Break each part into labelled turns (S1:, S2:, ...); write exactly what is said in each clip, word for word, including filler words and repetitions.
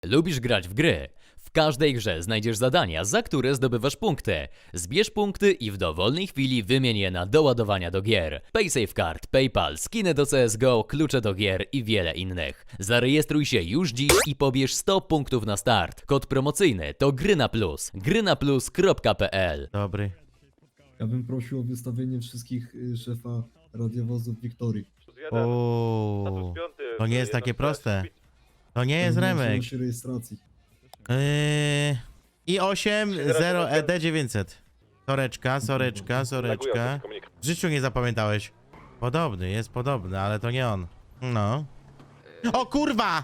S1: Lubisz grać w gry? W każdej grze znajdziesz zadania, za które zdobywasz punkty. Zbierz punkty i w dowolnej chwili wymień je na doładowania do gier. PaySafeCard, PayPal, skiny do C S G O, klucze do gier i wiele innych. Zarejestruj się już dziś i pobierz sto punktów na start. Kod promocyjny to gry na plus. gry na plus kropka p l.
S2: Dobry.
S3: Ja bym prosił o wystawienie wszystkich y, szefa radiowozów Wiktorii.
S2: Ooo, to nie jest takie proste. To nie jest remek.
S3: Się rejestracji.
S2: Yy, I osiem zero E D dziewięćset. Soreczka, soreczka, soreczka. W życiu nie zapamiętałeś. Podobny, jest podobny, ale to nie on. No. O kurwa!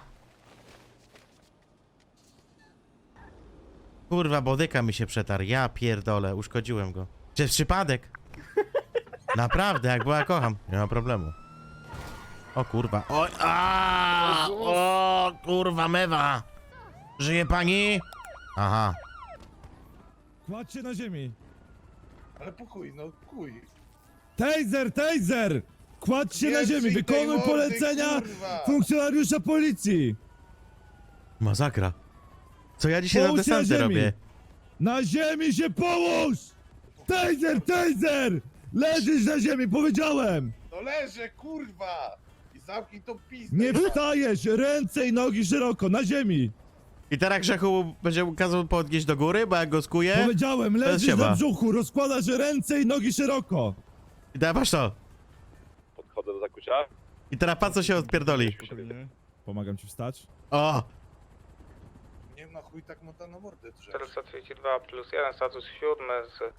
S2: Kurwa, bodyka mi się przetarł. Ja pierdolę, uszkodziłem go. Przez przypadek. Naprawdę, jak była kocham. Nie ma problemu. O kurwa. Oj, a, o kurwa mewa. Żyje pani? Aha.
S4: Kładźcie na ziemi!
S5: Ale po chuj, no chuj.
S4: Taser, taser! Kładźcie na
S5: Nie
S4: ziemi!
S5: trzyj tej
S4: Wykonuj
S5: mordy,
S4: polecenia
S5: kurwa.
S4: funkcjonariusza policji!
S2: Masakra. Co ja dzisiaj na
S4: Połóż się na
S2: desanty
S4: ziemi.
S2: robię?
S4: Na ziemi się połóż! Taser, taser! Leżysz na ziemi, powiedziałem!
S5: No leżę, kurwa! I zamknij tą pizdę.
S4: Nie wstajesz! Ręce i nogi szeroko, na ziemi!
S2: I teraz Grzechu będzie kazał podnieść do góry, bo jak go skuję.
S4: Powiedziałem,
S2: to
S4: leżysz
S2: siema.
S4: na brzuchu, rozkładasz ręce i nogi szeroko!
S2: I dawasz to.
S6: Podchodzę do zakucia.
S2: I teraz pan co się odpierdoli.
S4: Pomagam ci wstać.
S2: O!
S5: Nie na chuj tak mota na mordę drze.
S7: czterysta trzydzieści dwa plus jeden, status siódmy z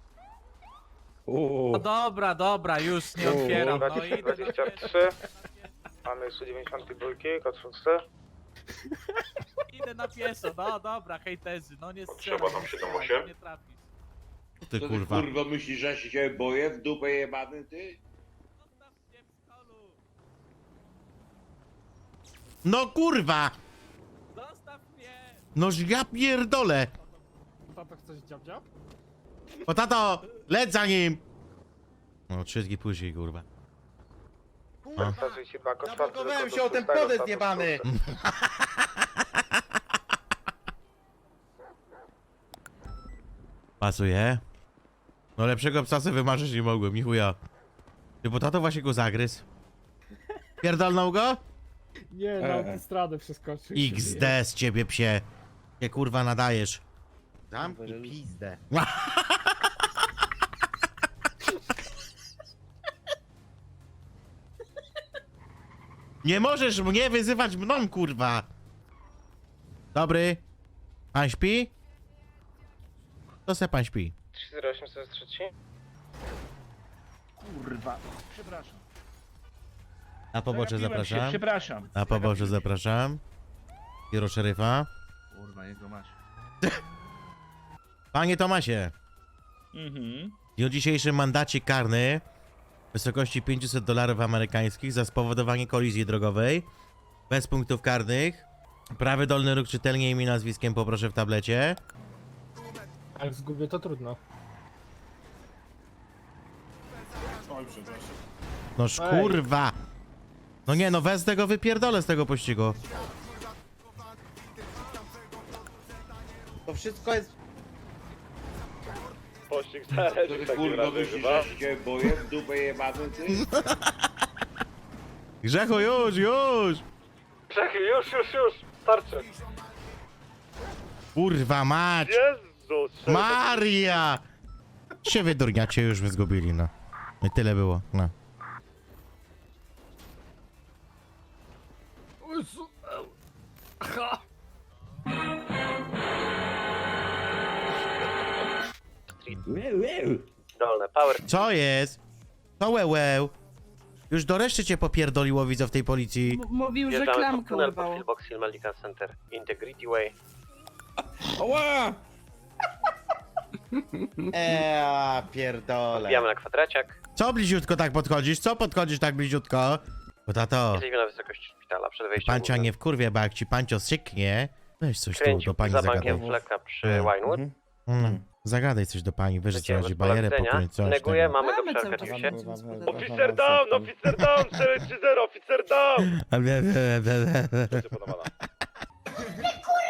S6: Uuu.
S8: No dobra, dobra, już nie otwieram. No idę do
S7: dwadzieścia trzy. Mamy sto dziewięćdziesiąt dwa, kod szósty.
S8: Idę na pieszo, no dobra, hejterzy, no nie strzelam,
S6: Potrzeba tam
S8: nie
S6: siedem
S8: strzelam,
S6: osiem?
S8: no nie trafisz.
S2: Co ty
S5: To ty
S2: kurwa?
S5: kurwa myślisz, że się boję w dupę jebany ty?
S8: Zostaw mnie w stolu!
S2: No kurwa!
S8: Zostaw mnie!
S2: Noż ja pierdolę!
S8: Tato, chcesz dziab-dziab?
S2: O tato! Leć za nim! No trzy dni później kurwa.
S7: sto trzydzieści dwa, kod czwarty.
S5: Zablokowałem się o ten podest jebany!
S2: Pasuje. No lepszego psa sobie wymarzyć nie mogłem, ni chuja. Ty, bo tato właśnie go zagryzł. Pierdolnął go?
S9: Nie, na autostradę przeskoczył.
S2: X D z ciebie psie. Nie kurwa nadajesz. Zamknij pizdę. Nie możesz mnie wyzywać mną, kurwa. Dobry. Pan śpi? To se pan śpi.
S7: trzy zero osiem sto trzy.
S5: Kurwa, przepraszam.
S2: Na pobocze zapraszam.
S5: Przepraszam.
S2: Na pobocze zapraszam. Biuro szeryfa.
S5: Kurwa, jego masz.
S2: Panie Tomasie.
S5: Mhm.
S2: W dniu dzisiejszym mandacie karny w wysokości pięćset dolarów amerykańskich za spowodowanie kolizji drogowej. Bez punktów karnych. Prawy dolny róg czytelnie imię nazwiskiem poproszę w tablecie.
S9: Jak zgubię, to trudno.
S2: Noż
S9: Ej.
S2: kurwa. No nie no, wez tego wypierdolę z tego pościgu.
S5: To wszystko jest...
S6: Pościg zależy w takim
S5: Kurwa,
S6: razie
S5: myślisz,
S6: chyba.
S5: że się boję w dupę jebany ty?
S2: Grzechu, już, już!
S7: Czekaj, już, już, już! Starczy!
S2: Kurwa mać!
S6: Jezus!
S2: Maria! Się wydurniacie, już wy zgubili, no. I tyle było, no.
S7: Dolne, power.
S2: Co jest? To łełeł. Już do reszty cię popierdoliło, widzę w tej policji.
S10: Mówił, że
S7: Wjeżdżamy pod
S10: klamkę
S7: tunel pod
S10: urwało.
S7: Pillbox Hill Medical Center. Integrity Way.
S5: Ała!
S2: Eee, pierdolę.
S7: Wbijamy na kwadraciak.
S2: Co bliziutko tak podchodzisz? Co podchodzisz tak bliziutko? Bo tato,
S7: Jesteśmy na wysokości szpitala przed wejściem.
S2: pancia
S7: głównym.
S2: nie wkurwie, bo jak ci pancio syknie, weź coś tu
S7: Kręcił
S2: do pani
S7: za
S2: zagadaj.
S7: bankiem fleka przy
S2: Mm.
S7: Winewood.
S2: Mm, zagadaj coś do pani, wyżej co
S7: Lecimy
S2: chodzi,
S7: bez
S2: bajerę
S7: polecenia.
S2: pokryć, coś
S7: Neguję,
S2: tego.
S7: mamy go
S10: Mamy
S7: przy
S10: cały czas
S7: Arkadiusie.
S10: gospodarza.
S6: Officer down! Officer down! cztery trzy zero! Officer down!
S2: A bie, bie, bie, bie.
S6: Będzie podawana.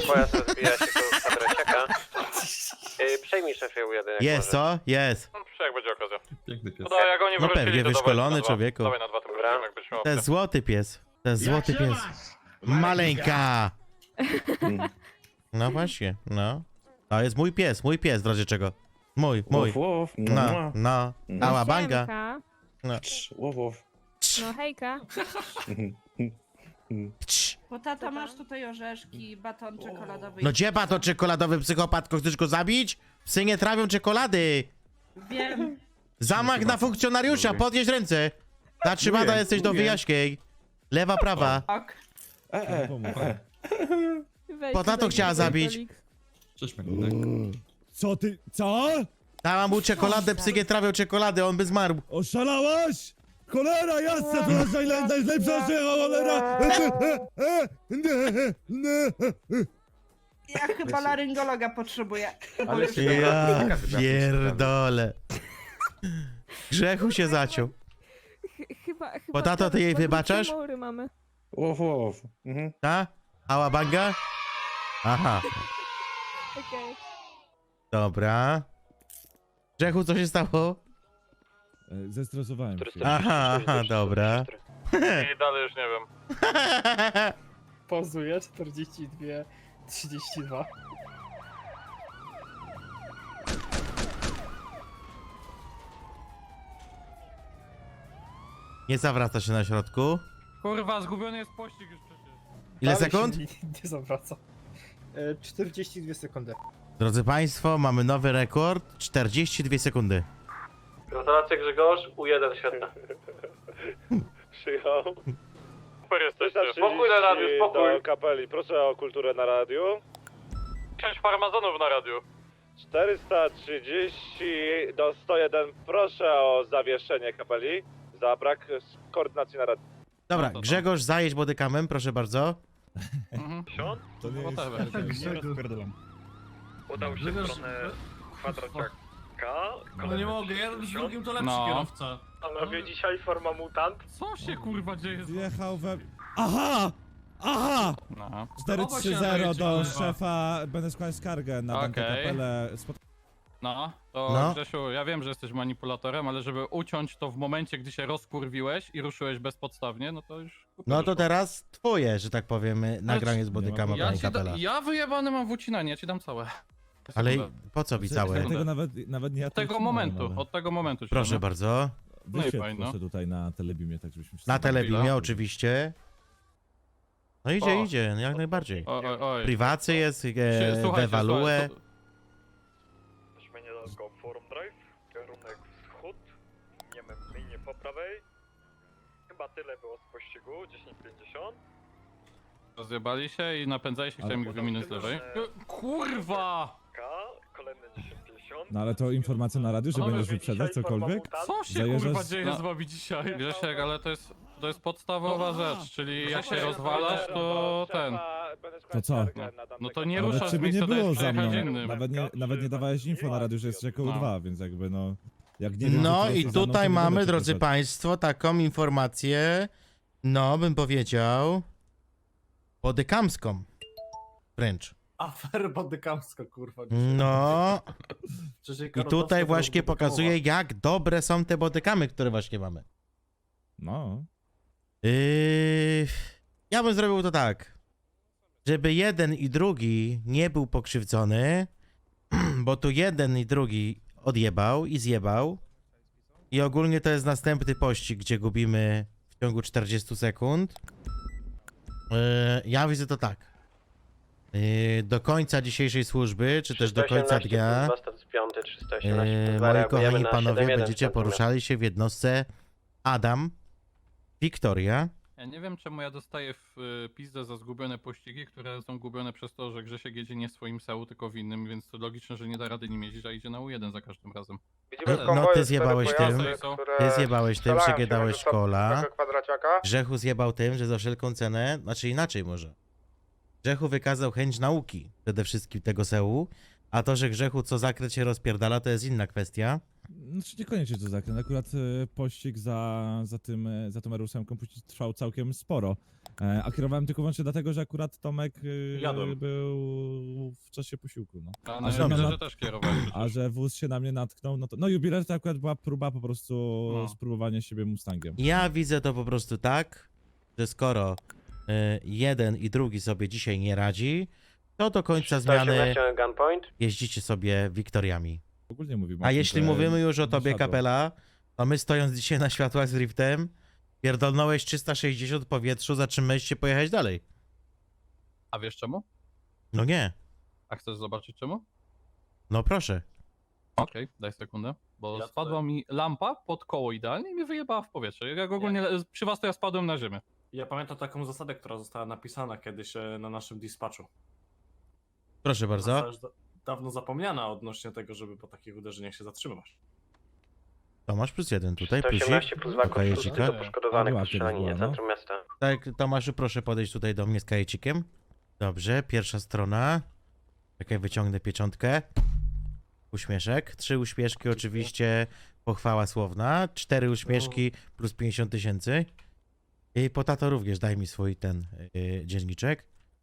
S7: pojazd rozbija się tu z adresiaka. Yy, przejmij szefie U jeden. jak
S2: Jest,
S7: możesz.
S2: co? Jest.
S6: No, jak będzie okazja.
S10: Piękny pies.
S6: No, jak oni
S2: No
S6: wrócili,
S2: pewnie,
S6: to dawaj
S2: wyszkolony
S6: na dwa.
S2: człowieku.
S6: Dawaj na dwa, to
S7: Dobra.
S6: jak byś miał
S2: To jest złoty pies. To jest złoty pies. Maleńka! No właśnie, no. To jest mój pies, mój pies, w razie czego. Mój, mój. No, no. Ała banga.
S11: Siemka. No hejka.
S2: Cii.
S11: Bo tata masz tutaj orzeszki, baton czekoladowy.
S2: No gdzie to czekoladowy psychopatko? Chcesz go zabić? Psy nie trawią czekolady.
S11: Wiem.
S2: Zamach na funkcjonariusza, podnieś ręce. Zatrzymana jesteś do wyjaśnień. Lewa, prawa.
S11: Ok.
S2: Po tato chciała zabić.
S10: Cześć, Magdalek.
S4: Co ty, co?
S2: Dała mu czekoladę, psy nie trawią czekolady, on by zmarł.
S4: Oszalałaś? Cholera jasna, to jest najle- najlepsza cholera!
S11: Ja chyba laryngologa potrzebuję.
S7: Ale się
S2: Ja
S7: dobra,
S2: pierdolę. Grzechu się zaciął.
S11: Chyba, chyba.
S2: Bo tato, ty jej wybaczasz?
S11: mamy.
S7: Łow, łow. Mhm.
S2: Ta? Ała banga? Aha,
S11: Okej.
S2: dobra. Grzechu, co się stało?
S4: Zestresowałem się.
S2: Aha, aha, dobra.
S6: I dalej już nie wiem.
S9: Pozuje czterdzieści dwa trzydzieści dwa.
S2: Nie zawraca się na środku.
S8: Kurwa, zgubiony jest pościg już przecież.
S2: Ile
S9: Dalej
S2: sekund?
S9: się Nie, nie zawraca. E, czterdzieści dwie sekundy.
S2: Drodzy Państwo, mamy nowy rekord. czterdzieści dwie sekundy.
S7: Gratulacje Grzegorz, U jeden świetne.
S6: Przyjął. Super jesteście. Spokój na radiu, spokój. Do kapeli, proszę o kulturę na radiu. Pięć farmazonów na radiu. czterysta trzydzieści do sto jeden, proszę o zawieszenie kapeli za brak koordynacji na radiu.
S2: Dobra,
S8: No to-
S2: Grzegorz, zajedź bodykamem, proszę bardzo.
S6: Siąd?
S4: To nie jest
S8: Whatever.
S4: fair, nie rozpierdolam.
S6: Udał się w stronę kwadraciaka.
S8: No nie mogę, jeden z drugim to lepszy
S6: No.
S8: kierowca.
S7: Panowie, dzisiaj forma mutant.
S8: Co się kurwa dzieje? z-
S4: Wjechał we... Aha! Aha!
S6: No.
S4: cztery
S8: Podoba
S4: trzy
S8: się
S4: zero
S8: nadaje,
S4: do
S8: czy kurwa?
S4: szefa, będę składać skargę na Dante
S6: Okej.
S4: Kapelę. Spot-
S6: No, to
S2: No.
S6: Grzesiu, ja wiem, że jesteś manipulatorem, ale żeby uciąć to w momencie, gdy się rozkurwiłeś i ruszyłeś bezpodstawnie, no to już...
S2: No to teraz twoje, że tak powiem, nagranie z bodykama
S6: Ja,
S2: pani
S6: ci da,
S2: kapela.
S6: ja wyjebany mam włócinanie, ja ci dam całe.
S2: Ale
S6: Sekundę.
S2: po co
S4: Ja
S2: całe?
S4: tego nawet, nawet nie ja
S6: Od
S4: to
S6: tego
S4: utrzymałem,
S6: momentu,
S4: ale-
S6: od tego momentu ci
S2: Proszę
S6: damy.
S2: bardzo.
S6: No i
S4: Wyświetl
S6: fajno.
S4: proszę tutaj na telebimie, tak żebyśmy wszyscy...
S2: Na telebimie
S6: chwila.
S2: oczywiście. No idzie,
S6: O.
S2: idzie, jak najbardziej.
S6: Oj, oj, oj.
S2: Priwacy jest,
S6: Sie-
S2: e,
S6: słuchajcie,
S2: devalue.
S6: słuchaj, to-
S5: Weźmy niedaleko Forum Drive, kierunek wschód, miemy linie po prawej. Chyba tyle było z pościgu, dziesięć pięćdziesiąt.
S6: Rozjebali się i napędzali się, chciałem ich wyminąć z lewej. Kurwa!
S5: K, kolejne dziesięć pięćdziesiąt.
S4: No ale to informacja na radiu, że
S6: Panowie,
S4: będziesz wyprzedzać cokolwiek?
S6: Co się
S4: Zajeżdżasz-
S6: kurwa dzieje z wami dzisiaj? Grzesiek, ale to jest, to jest podstawowa rzecz, czyli jak się
S8: Grzesiek,
S6: rozwalasz, to ten...
S4: To co?
S6: No to nie
S4: Nawet
S6: ruszasz z
S4: ciebie nie
S6: miejsca,
S4: było
S6: dajesz
S4: za mną.
S6: przejechać innym.
S4: Nawet nie, nawet nie dawałeś info na radiu, że jest rzeką
S6: No.
S4: dwa, więc jakby no... Jak nie wiem,
S2: No
S4: że ty
S2: i
S4: jesteś za mną, to
S2: tutaj
S4: nie będę
S2: mamy,
S4: cię
S2: drodzy
S4: pytać.
S2: Państwo, taką informację, no bym powiedział, bodykamską. Wręcz.
S8: Afer bodykamska, kurwa.
S2: No i tutaj właśnie pokazuje, jak dobre są te bodykamy, które właśnie mamy.
S4: No.
S2: Yy, ja bym zrobił to tak, żeby jeden i drugi nie był pokrzywdzony, bo tu jeden i drugi odjebał i zjebał i ogólnie to jest następny pościg, gdzie gubimy w ciągu czterdziestu sekund. Yy, ja widzę to tak. Yy, do końca dzisiejszej służby, czy też do końca dnia, yy, moi kochani panowie, będziecie poruszali się w jednostce Adam, Wiktoria,
S6: Ja nie wiem, czemu ja dostaję w y, pizdę za zgubione pościgi, które są gubione przez to, że Grzesiek jedzie nie w swoim sełu, tylko w innym, więc to logiczne, że nie da rady nim jeździć, a idzie na U jeden za każdym razem.
S7: Widzimy w
S2: No,
S7: konwoju
S2: ty
S7: cztery
S2: zjebałeś
S7: pojazdy,
S6: tym.
S7: które
S2: ty zjebałeś tym,
S7: strzelają się
S2: przegadałeś
S7: między sobą
S2: szkola.
S7: z tego kwadraciaka.
S2: Grzechu zjebał tym, że za wszelką cenę, znaczy inaczej może. Grzechu wykazał chęć nauki przede wszystkim tego sełu, A to, że grzechu co zakręt się rozpierdala, to jest inna kwestia.
S4: Znaczy niekoniecznie to zakręt. Akurat e, pościg za, za tym, e, za tą R ósem trwał całkiem sporo. E, a kierowałem tylko wyłącznie dlatego, że akurat Tomek e,
S6: Jadłem.
S4: był w czasie posiłku. No.
S6: A
S2: na jubilerze
S4: na-
S6: też kierowali.
S4: A że wóz się na mnie natknął, no to... No jubiler to akurat była próba po prostu
S6: No.
S4: spróbowania siebie Mustangiem.
S2: Ja widzę to po prostu tak, że skoro y, jeden i drugi sobie dzisiaj nie radzi, to do końca zmiany
S7: gunpoint.
S2: jeździcie sobie Wiktoriami.
S4: Ogólnie mówimy o
S2: A
S4: tym,
S2: jeśli
S4: że
S2: mówimy już o
S4: nie
S2: tobie,
S4: siadło.
S2: Kapela, to my stojąc dzisiaj na światłach z driftem, pierdolnąłeś trzysta sześćdziesiąt w powietrzu, zatrzymałeś się pojechać dalej.
S6: A wiesz czemu?
S2: No nie,
S6: A chcesz zobaczyć czemu?
S2: no proszę.
S6: Okej, daj sekundę. Bo
S5: Ja
S6: spadła mi lampa pod koło idealnie i mnie wyjebała w powietrze. Jak ogólnie przy was to ja spadłem na ziemię.
S10: Ja pamiętam taką zasadę, która została napisana kiedyś e, na naszym dispatchu.
S2: Proszę bardzo.
S10: Została już da- dawno zapomniana odnośnie tego, żeby po takich uderzeniach się zatrzymywać.
S2: Tomasz plus jeden tutaj,
S7: sto
S2: plusik.
S7: osiemnaście plus dwa
S2: Do kajecika.
S7: konstrukcji do poszkodowanych
S4: Była
S7: po
S4: kiedyś
S7: strzelaninie
S4: była, no.
S7: centrum miasta.
S2: Tak, Tomaszu, proszę podejść tutaj do mnie z kajecikiem. Dobrze, pierwsza strona. Czekaj, wyciągnę pieczątkę. Uśmieszek. Trzy uśmieszki, oczywiście pochwała słowna. Cztery uśmieszki plus pięćdziesiąt tysięcy. I po tato również daj mi swój ten yy, dzienniczek.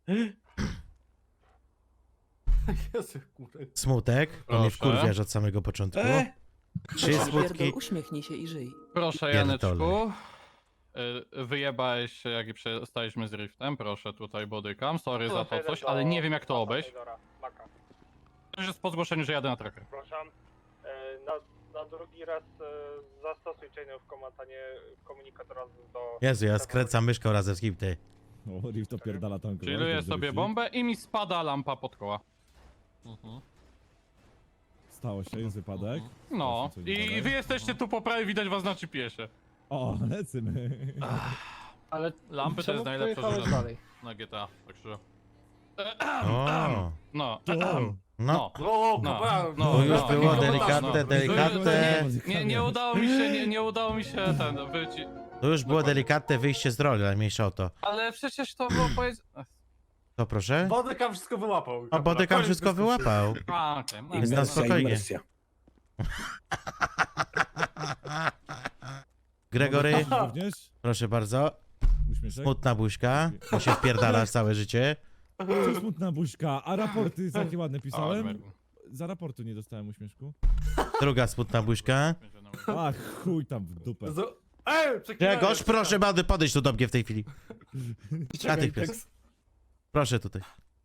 S10: Jezu, kurde.
S2: Smutek, bo mnie
S6: Proszę.
S2: wkurwiasz od samego początku. Trzy smutki.
S11: uśmiechnij się i żyj.
S6: Proszę
S2: Pierdolę.
S6: Janeczku. Y, Wyjebałeś się jak i przestaliśmy z driftem. Proszę tutaj bodykam. Sorry za to coś, ale nie wiem jak to obejść. To już jest po zgłoszeniu, że jadę na tracker.
S5: Przepraszam. E, Na, na drugi raz e, zastosuj chain of command, a nie komunikatora do...
S2: Jezu, ja skręcam myszką razem z kim ty.
S4: O, Rift opierdala tam kogoś,
S6: Chilluję
S4: dobrze
S6: sobie
S4: myśli.
S6: bombę i mi spada lampa pod koła.
S4: Stało się, jest wypadek.
S6: No.
S4: Zobaczmy, co
S6: I
S4: dalej.
S6: wy jesteście tu po prawej, widać was na G P S-ie.
S4: O, lecymy.
S9: Ale
S6: Lampy to
S9: czemu
S6: jest najlepsza
S9: pojechałeś
S6: rzecz
S9: dalej?
S6: na G T A. Także...
S2: O,
S6: No.
S2: no.
S6: No.
S10: O,
S6: No,
S10: kapela!
S6: no,
S2: To już
S6: no,
S2: było
S6: no,
S2: delikatne,
S6: no.
S2: delikatne.
S6: Nie, nie udało mi się, nie, nie udało mi się ten wyci...
S2: To już było
S6: Dokładnie.
S2: delikatne wyjście z roli, ale mniejsza o to.
S6: Ale przecież to było powiedzieć...
S2: To proszę?
S10: Bodykam wszystko wyłapał.
S2: A
S10: kapela.
S2: Bodykam
S10: Koniec
S2: wszystko
S10: dyskusji.
S2: wyłapał.
S6: A, okej. no,
S2: Jest na
S6: no,
S2: spokojnie. Gregory,
S4: Również?
S2: proszę bardzo.
S4: Uśmieszek?
S2: Smutna buźka, bo się wpierdalasz całe życie.
S4: Co smutna buźka, a raporty takie ładne
S6: A,
S4: pisałem?
S6: Mergu.
S4: Za raportu nie dostałem uśmieszku.
S2: Druga smutna buźka.
S4: Ach, chuj tam w dupę.
S10: Z- Ej, przeklinałem,
S2: Grzegorz,
S10: przeklinałem.
S2: proszę bardzo, podejdź tu do mnie w tej chwili. Natychmiast. Proszę tutaj.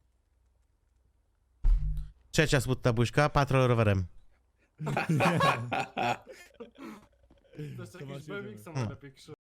S2: Trzecia smutna buźka, patrol rowerem.
S10: To jest
S4: To
S10: jakiś
S4: macie
S10: B M X-em
S2: Hmm.
S10: lepiej krzyż.